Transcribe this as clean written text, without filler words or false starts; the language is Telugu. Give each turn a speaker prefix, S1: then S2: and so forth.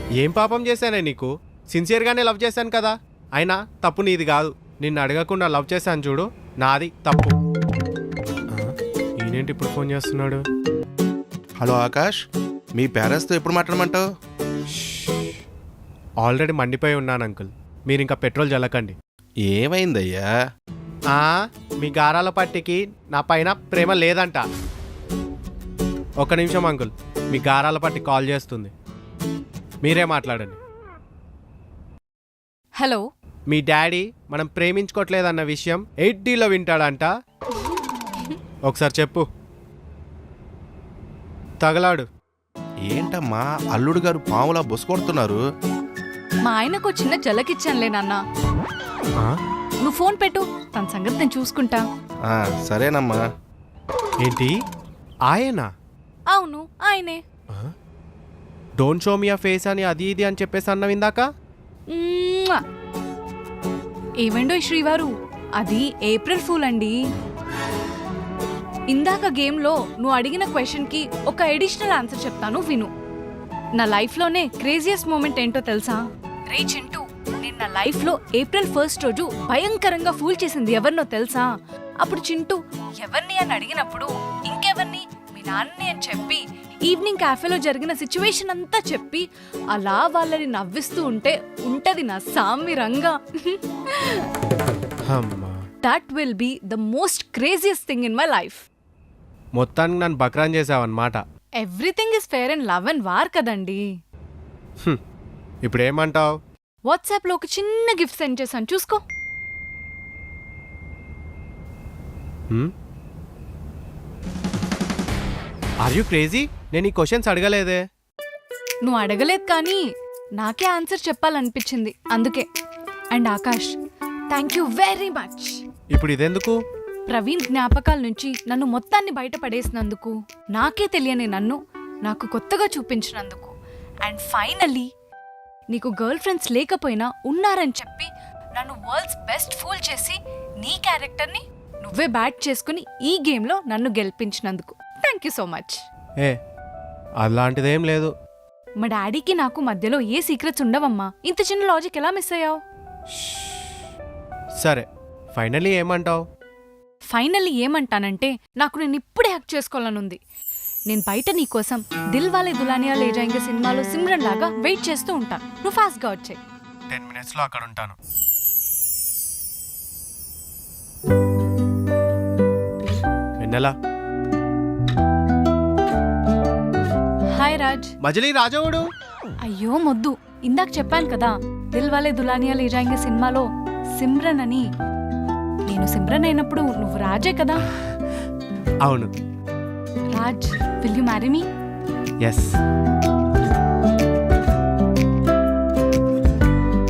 S1: ఏం పాపం చేశానే నీకు? సిన్సియర్గానే లవ్ చేశాను కదా. అయినా తప్పు నీది కాదు. నిన్ను అడగకుండా లవ్ చేశాను చూడు, నాది తప్పు. ఈయనేంటి ఇప్పుడు ఫోన్ చేస్తున్నాడు?
S2: హలో ఆకాష్, మీ పేరెంట్స్తో ఎప్పుడు మాట్లాడమంటావు?
S1: ఆల్రెడీ మండిపోయి ఉన్నాను అంకుల్, మీరు ఇంకా పెట్రోల్ జల్లకండి.
S2: ఏమైందయ్యా?
S1: మీ గారాల పట్టికి నా పైన ప్రేమ లేదంట. ఒక్క నిమిషం అంకుల్, మీ గారాల పట్టి కాల్ చేస్తుంది, మీరే మాట్లాడండి.
S3: హలో.
S1: మీ డాడీ మనం ప్రేమించుకోవట్లేదన్న విషయం 8Dలో వింటాడంట. ఒకసారి చెప్పు. తగలాడు.
S2: ఏంటమ్మా అల్లుడు గారు పాములా బొసుకొడుతున్నారు?
S3: మా ఆయనకు చిన్న జలకిచ్చానులే నాన్న. నువ్వు ఫోన్ పెట్టు, తన సంగతి నేను చూసుకుంటా.
S2: సరేనమ్మా.
S1: ఏంటి ఆయనా?
S3: అవును ఆయనే.
S1: డోంట్ షో మీ ఆ ఫేస్ అని అది ఇది అని చెప్పేసి అన్నావు ఇందాక.
S3: ఏమండో శ్రీవారు, అది ఏప్రిల్ ఫూల్ అండి. ఇందాక గేమ్లో నువ్వు అడిగిన క్వశ్చన్కి ఒక ఎడిషనల్ ఆన్సర్ చెప్తాను విను. నా లైఫ్లోనే క్రేజియస్ట్ మూమెంట్ ఏంటో తెలుసా? రే చింటూ, నేను నా లైఫ్లో ఏప్రిల్ 1 రోజు భయంకరంగా ఫూల్ చేసింది ఎవరినో తెలుసా? అప్పుడు చింటూ ఎవరిని అని అడిగినప్పుడు ఇంకెవరిని, మీ నాన్నని అని చెప్పి ఈవినింగ్ క్యాఫేలో జరిగిన సిచ్యువేషన్ అంతా చెప్పి అలా వాళ్ళని నవ్విస్తూ ఉంటది నా సామిరంగా. That will be the most craziest thing in my life.
S1: మొత్తానికి నన్ను బక్రాన్ చేసావన్నమాట.
S3: Everything is fair and love and war కదండి.
S1: ఇప్పుడు ఏమంటావు?
S3: వాట్సాప్లో ఒక చిన్న గిఫ్ట్ సెండ్ చేశాను, చూసుకో.
S1: Are you crazy? నేను ఈ క్వశ్చన్స్ అడగలేదే.
S3: నువ్వు అడగలేదు కానీ నాకే ఆన్సర్ చెప్పాలనిపించింది, అందుకే. And Akash, thank you very much.
S1: ఇప్పుడు ఇదెందుకు?
S3: ప్రవీణ్ జ్ఞాపకాల నుంచి నన్ను మొత్తాన్ని బయటపడేసినందుకు, నాకే తెలియని నన్ను నాకు కొత్తగా చూపించినందుకు, అండ్ ఫైనల్లీ నీకు గర్ల్ ఫ్రెండ్స్ లేకపోయినా ఉన్నారని చెప్పి నన్ను వరల్డ్స్ బెస్ట్ ఫూల్ చేసి నీ క్యారెక్టర్ని నువ్వే బ్యాట్ చేసుకుని ఈ గేమ్లో నన్ను గెలిపించినందుకు థ్యాంక్ యూ సో మచ్.
S1: అలాంటిదేం లేదు.
S3: మా డాడీకి నాకు మధ్యలో ఏ సీక్రెట్స్ ఉండవమ్మా. ఇంత చిన్న లాజిక్ ఎలా మిస్ అయ్యావు?
S1: సరే, ఫైనల్లీ ఏమంటావు?
S3: ఫైనల్లీ ఏమంటానంటే, నాకు నేను ఇప్పుడే హ్యాక్ చేసుకోవాలనుంది. నేను బయట నీ కోసం దిల్ వాలే దులానియా లే జాయేంగే సినిమాలో సిమ్రన్ లాగా వెయిట్ చేస్తూ ఉంటాను. నువ్వు ఫాస్ట్గా వచ్చాయి.
S1: 10 minutesలో అక్కడ ఉంటాను. వెన్నెలా?
S3: హాయ్ రాజ్.
S1: మజిలీ రాజవుడు.
S3: అయ్యో మొద్దు, ఇందాక చెప్పాను కదా దిల్ వాలే దులానియా లే జాయేంగే సినిమాలో సిమ్రన్ అని. నేను సిమ్రన్ అయినప్పుడు నువ్వు రాజే కదా?
S1: అవును.
S3: Raj, will you marry me?
S1: Yes.